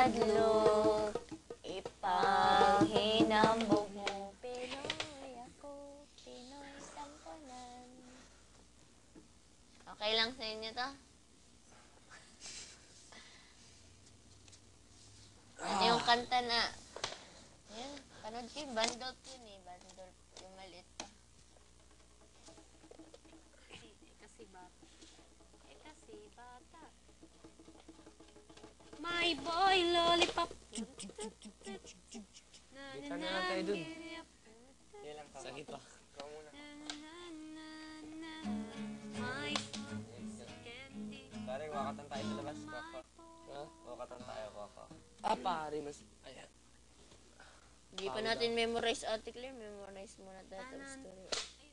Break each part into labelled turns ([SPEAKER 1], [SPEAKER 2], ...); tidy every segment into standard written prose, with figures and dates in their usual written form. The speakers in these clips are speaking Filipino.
[SPEAKER 1] hadlok, ipanghinambog mo. Pinoy ako, Pinoy sampunan. Okay lang sa inyo to? Ano yung kanta na? Yan, panood ko yung Bandolp yun eh. Bandolp, yung maliit pa.
[SPEAKER 2] Kasi bata. My boy lollipop.
[SPEAKER 3] Kita na lang tayo dun.
[SPEAKER 4] Yan lang
[SPEAKER 3] Sa gitna.
[SPEAKER 4] Ikaw muna.
[SPEAKER 2] My candy.
[SPEAKER 4] Pare, wakatan tayo sa labas. Kaka.
[SPEAKER 3] Ha?
[SPEAKER 4] Wakatan tayo, kaka.
[SPEAKER 3] Pare, mas... Ayan.
[SPEAKER 1] Hindi pa natin memorize, Ate Claire. Memorize muna tayo sa story.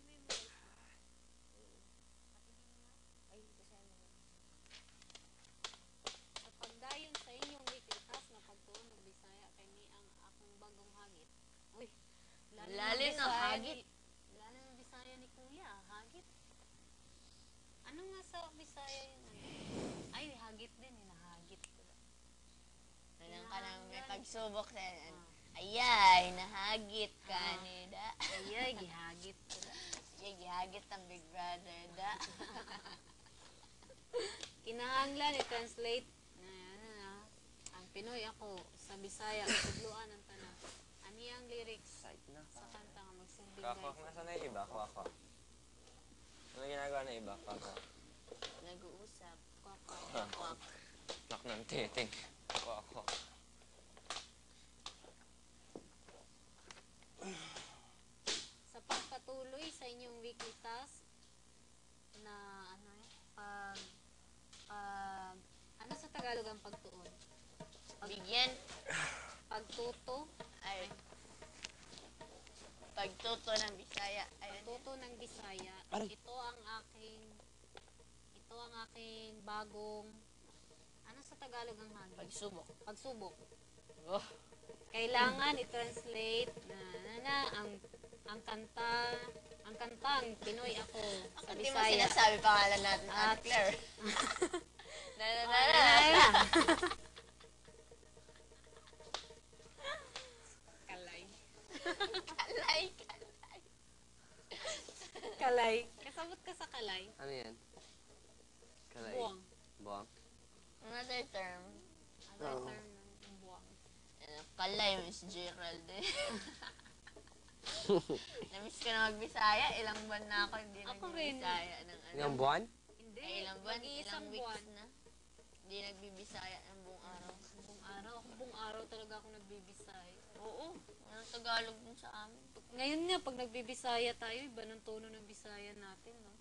[SPEAKER 2] Sa pagdayon sa inyong likitas na pagtuon ng Bisaya kay ni ang akong bagong hagit. Uy,
[SPEAKER 1] Lalim na hagit.
[SPEAKER 2] Lalo ng Bisaya ni Kuya, hagit. Ano nga sa Bisaya yun? Ay, hagit din, hinahagit ko.
[SPEAKER 1] Anong ka nang may pagsubok sa ayay, nahagit ka ni da.
[SPEAKER 2] Ayay, gihagit ko.
[SPEAKER 1] Ayay, gihagit ang Big Brother da.
[SPEAKER 2] Kinahanglan i-translate na ang Pinoy ako sa Bisaya ang tudluan ng tanan. Ani ang lyrics
[SPEAKER 4] Site na.
[SPEAKER 2] sa kanta nga magsilbing
[SPEAKER 4] Kaka,
[SPEAKER 2] guys.
[SPEAKER 4] nasaan na yung iba? Kaka. Ano ginagawa na iba? Kaka.
[SPEAKER 1] Nag-uusap.
[SPEAKER 2] Kwak.
[SPEAKER 4] Nak ng titing. Kaka.
[SPEAKER 2] Sa pagpatuloy sa inyong weekly task na ano sa Tagalog ang pagtuon?
[SPEAKER 1] Bigyan.
[SPEAKER 2] Pagtuto,
[SPEAKER 1] Ay. Pagtuto ng Bisaya. Ayun.
[SPEAKER 2] pagtuto ng Bisaya.
[SPEAKER 3] Aray.
[SPEAKER 2] Ito ang aking bagong ano sa Tagalog ang hangin?
[SPEAKER 1] Pagsubok.
[SPEAKER 2] Pagsubok.
[SPEAKER 1] Oh.
[SPEAKER 2] Kailangan i-translate ang kantang Pinoy ako sa
[SPEAKER 1] Hindi mo
[SPEAKER 2] Bisaya.
[SPEAKER 1] sinasabi pangalan natin,
[SPEAKER 2] At-
[SPEAKER 1] Ate Claire.
[SPEAKER 2] Kalay.
[SPEAKER 1] Kalay.
[SPEAKER 2] Kalay. Kasabot ka sa kalay.
[SPEAKER 3] Ano yan? Kalay.
[SPEAKER 2] Buwang.
[SPEAKER 3] Buwang?
[SPEAKER 1] Another term.
[SPEAKER 2] Another term ng buwang.
[SPEAKER 1] Kalay, Miss Gerald eh. Namiss ko na magbisaya. Ilang buwan na ako hindi
[SPEAKER 2] Ako rin.
[SPEAKER 1] nagbibisaya ng ano.
[SPEAKER 3] Ilang buwan?
[SPEAKER 2] Hindi.
[SPEAKER 1] Ay, ilang buwan, ilang
[SPEAKER 2] Mag-iisang
[SPEAKER 1] weeks
[SPEAKER 2] buwan.
[SPEAKER 1] na. Hindi nagbibisaya ng buong araw.
[SPEAKER 2] Buong araw. Ako buong araw talaga ako nagbibisay.
[SPEAKER 1] Oo. Walang Tagalog din sa amin.
[SPEAKER 2] Ngayon nga, pag nagbibisaya tayo, iba ng tono ng bisaya natin, no?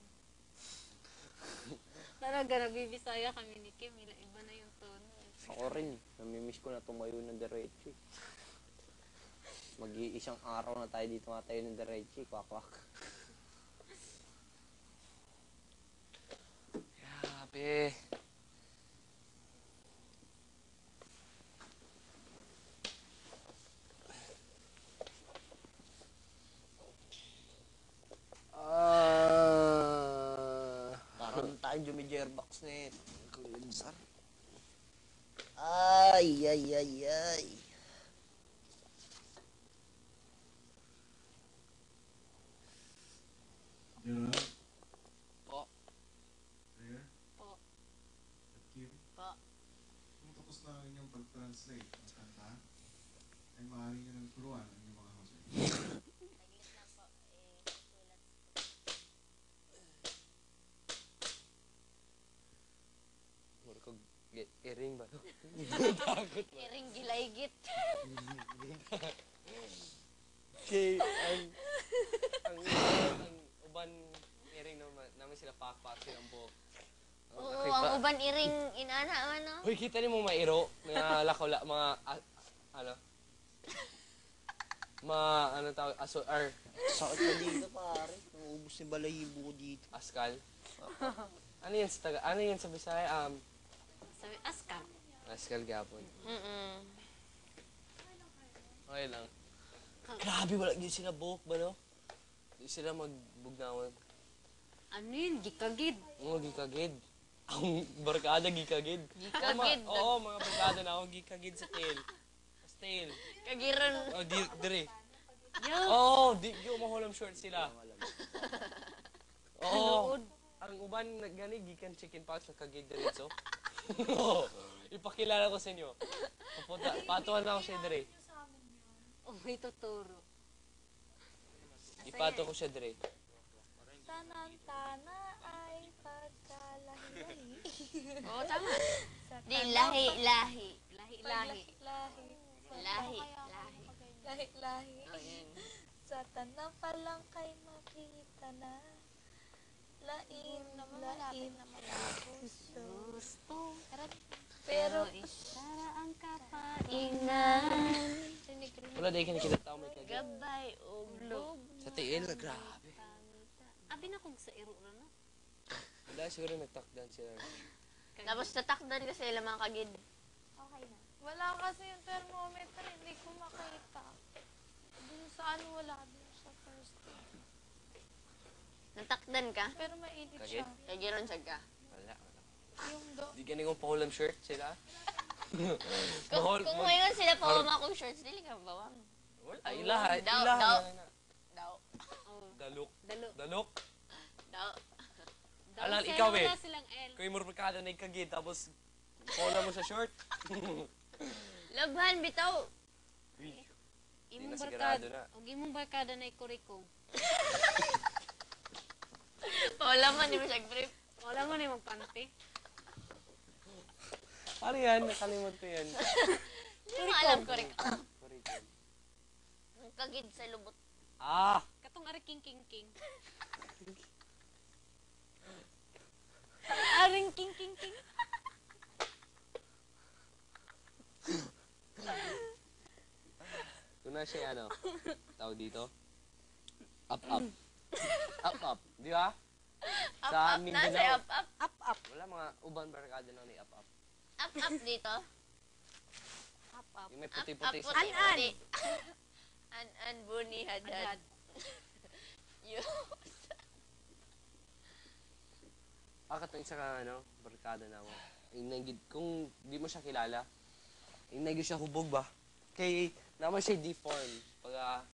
[SPEAKER 2] Talaga, nagbibisaya kami ni Kim. Iba na yung tono.
[SPEAKER 3] Ako rin. Namimiss ko na tumayo ng diretso. Mag-iisang araw na tayo dito nga tayo ng diretso. Kwak-kwak. Grabe.
[SPEAKER 5] Parang tayong jumijerbox na eh. Kulinsar. Ay.
[SPEAKER 6] Gerald?
[SPEAKER 3] Po.
[SPEAKER 6] Claire?
[SPEAKER 2] Po.
[SPEAKER 6] At Kim?
[SPEAKER 1] Po.
[SPEAKER 6] Kung tapos na ang inyong pag-translate ng kanta, ay maaari nyo ng turuan ang inyong mga housemate.
[SPEAKER 1] Saglit lang po. Sulat.
[SPEAKER 3] Mura ko iring ba?
[SPEAKER 1] Iring gilaygit.
[SPEAKER 3] Okay, ang uban iring namin sila pakpak silang buhok.
[SPEAKER 1] Oo, ang uban iring inana, ano?
[SPEAKER 3] Hoy, kita niyo mga mairo, mga lakaw, mga, ano? Ano tawag,
[SPEAKER 5] Sakit na dito pare. Naubos ni balahibo ko dito.
[SPEAKER 3] askal. Ano yan sa ano yan sa Bisaya?
[SPEAKER 2] Sabi, aska.
[SPEAKER 3] Askal gapon. Okay lang.
[SPEAKER 5] Grabe, wala yun sila buhok ba no?
[SPEAKER 3] Di sila magbugnawan.
[SPEAKER 2] Ano yun? Gikagid.
[SPEAKER 3] Mga gikagid. Ang barkada, gikagid.
[SPEAKER 1] Gikagid.
[SPEAKER 3] Oo, mga barkada na ako, gikagid sa tail. Sa tail.
[SPEAKER 1] Kagiron.
[SPEAKER 3] Oh, dire.
[SPEAKER 2] Yo!
[SPEAKER 3] Oo, di mahulam short sila. Oo. Ang uban gani gikan chicken pox sa kagid diretso. Ipakilala ko sa inyo. Patuan na ako siya dire.
[SPEAKER 2] Oh, may tuturo.
[SPEAKER 3] Ipato ko siya dire.
[SPEAKER 7] Tanantana ay pagkalahi-lahi.
[SPEAKER 1] Oo, tama. Di, lahi.
[SPEAKER 2] Lahi-lahi.
[SPEAKER 7] Lahi.
[SPEAKER 1] Lahi.
[SPEAKER 7] Lahi-lahi.
[SPEAKER 1] Oh, yan.
[SPEAKER 7] Sa tanang palang kay makita na. Lain na puso.
[SPEAKER 2] Gusto.
[SPEAKER 7] Pero
[SPEAKER 2] Isara ang kapainan.
[SPEAKER 3] Wala dahil kinikita tao may kagid.
[SPEAKER 1] Gabay o blog.
[SPEAKER 3] Sa tail, grabe.
[SPEAKER 2] Abi na kung sa iro na no?
[SPEAKER 3] Wala siguro nagtakdan sila.
[SPEAKER 1] Tapos tatakdan kasi sila mga kagid.
[SPEAKER 7] wala kasi yung thermometer, hindi ko makita. Dun sa ano, wala dun sa first aid.
[SPEAKER 1] Natakdan ka?
[SPEAKER 7] Pero mainit
[SPEAKER 3] Kagid?
[SPEAKER 7] siya.
[SPEAKER 1] Kagiron sa ka.
[SPEAKER 3] Wala.
[SPEAKER 7] Yung do.
[SPEAKER 3] Di gani kong pahulam shirt sila.
[SPEAKER 1] Kung ngayon sila pa akong shorts, dili ka bawang.
[SPEAKER 3] Wala, ilaha.
[SPEAKER 1] Daw.
[SPEAKER 3] Daw.
[SPEAKER 2] Dalo.
[SPEAKER 3] Dalok.
[SPEAKER 1] Daw.
[SPEAKER 3] Alal,
[SPEAKER 2] Dahil
[SPEAKER 3] ikaw
[SPEAKER 2] wala
[SPEAKER 3] eh.
[SPEAKER 2] silang L.
[SPEAKER 3] Kung yung barkada na ikagid, tapos pahulam mo sa short.
[SPEAKER 1] Labhan, bitaw.
[SPEAKER 3] Di na
[SPEAKER 2] Imong
[SPEAKER 3] sigurado
[SPEAKER 2] barkada.
[SPEAKER 3] na.
[SPEAKER 2] Og imong barkada na ikuriko.
[SPEAKER 1] Paulaman, di mo siya brief.
[SPEAKER 2] Wala mo na yung magpanty.
[SPEAKER 3] Ano yan? Nakalimot ko yan.
[SPEAKER 1] Hindi mo alam ko rin.
[SPEAKER 3] Kurikon.
[SPEAKER 1] Ang kagid sa lubot.
[SPEAKER 3] Ah!
[SPEAKER 2] Katong ari king. Aring king.
[SPEAKER 3] Kung na siya ano, tawag dito, up. Up. Di ba? Sa
[SPEAKER 1] Up,
[SPEAKER 3] Mindanao.
[SPEAKER 1] nasa up.
[SPEAKER 3] Wala mga uban barkada na ni up.
[SPEAKER 1] Up dito.
[SPEAKER 3] Yung may
[SPEAKER 1] Up,
[SPEAKER 3] puti-puti sa
[SPEAKER 1] puti. An, buni, hadad.
[SPEAKER 2] Adad.
[SPEAKER 1] Yun.
[SPEAKER 3] Katong isa ka ano, barkada na mo. Kung di mo siya kilala, yung siya hubog ba? Kay naman siya deform. Pag